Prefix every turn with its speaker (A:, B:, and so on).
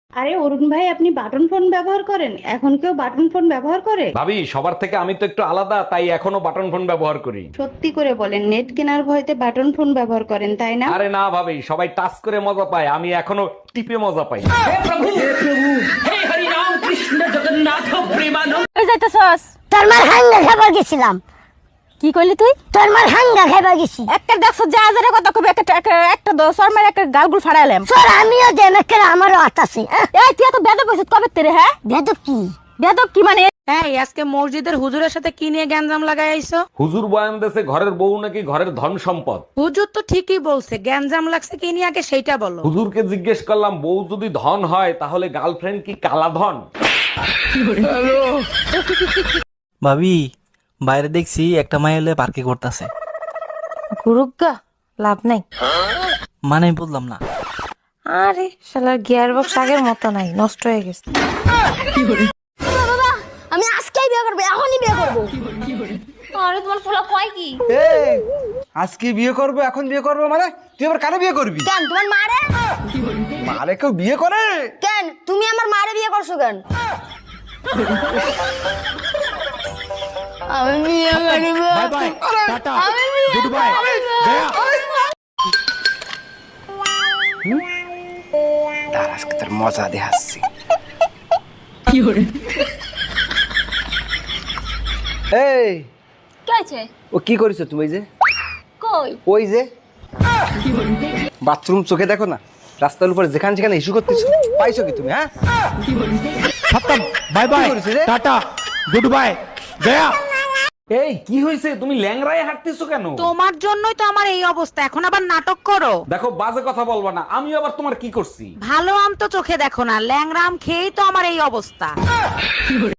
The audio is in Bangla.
A: আরে অরুণ ভাই, আপনি বাটন ফোন ব্যবহার করেন? এখন কেউ বাটন ফোন ব্যবহার করে?
B: ভাবি, সবার থেকে আমি তো একটু আলাদা, তাই এখনো বাটন ফোন ব্যবহার করি।
A: সত্যি করে বলেন, নেট কেনার ভয়তে বাটন ফোন ব্যবহার করেন, তাই না?
B: আরে না ভাবি, সবাই টাচ করে মজা পায়, আমি এখনো টিপে মজা পাই।
C: ওই যাইতেছস?
D: তোর মার হাঙ্গা খাবার গেছিলাম।
C: কি কইলি তুই?
D: তোর মার হাঙ্গা খাবার গেছি।
C: একটা দেখছ যা হাজারে কথা কবি একটা দশ আর মার একটা গালগুল ফাড়াইলাম।
D: তোর আমিও দেমেকের আমারও আতাছে।
C: এই তুই এত বেদব হইছিস কবে তেরে? হ্যাঁ
D: বেদব কি?
C: বেদব কি মানে?
E: এই আজকে মসজিদের হুজুরের সাথে কি নিয়ে গ্যাঞ্জাম লাগাই আইছো?
B: হুজুর বয়ান দেশে ঘরের বউ নাকি ঘরের ধন সম্পদ।
E: হুজুর তো ঠিকই বলছে, গ্যাঞ্জাম লাগছে কি নিয়ে আগে সেইটা বলো।
B: হুজুরকে জিজ্ঞেস করলাম, বউ যদি ধন হয় তাহলে গার্লফ্রেন্ড কি কালা ধন?
F: ভাবি, বাইরে দেখছি একটা মাই হলে পার্কে করতেছে।
G: গুরুগা লাভ নাই।
F: মানে আমি বললাম না।
G: আরে শালার গিয়ার বক্স আগের মতো নাই, নষ্ট হয়ে গেছে।
D: বাবা, আমি আজকেই বিয়ে করব, এখনই বিয়ে করব।
C: আরে তোমার পোলা কয় কি?
H: এই আজকে বিয়ে করব, এখন বিয়ে করব মানে তুই আবার কারে বিয়ে করবি?
D: কেন তোমার মারে?
H: মারে কেউ বিয়ে করে?
D: কেন তুমি আমার মারে বিয়ে করছো কেন? আমি বিয়ে করব।
H: Bye bye tata goodbye তার আজকে তোর মজা দেখাচ্ছি। এই
C: কি হইছে?
H: ও কি করিস তুমি? ওই যে
C: কই?
H: ওই যে বাথরুম চোখে দেখো না, রাস্তার উপরে যেখানে যেখানে ইস্যু করতেছো, পাইছো কি তুমি? হ্যাঁ
I: বাই বাই
H: কি করেছিস রে?
I: টাটা গুড বাই গয়া।
B: এই কি হয়েছে, তুমি ল্যাংড়ায় হাঁটতেছো কেন?
E: তোমার জন্যই তো আমার এই অবস্থা, এখন আবার নাটক করো।
B: দেখো, বাজে কথা বলবা না, আমি আবার তোমার কি করছি?
E: ভালো আম তো চোখে দেখো না, ল্যাংরা আম খেয়েই তো আমার এই অবস্থা।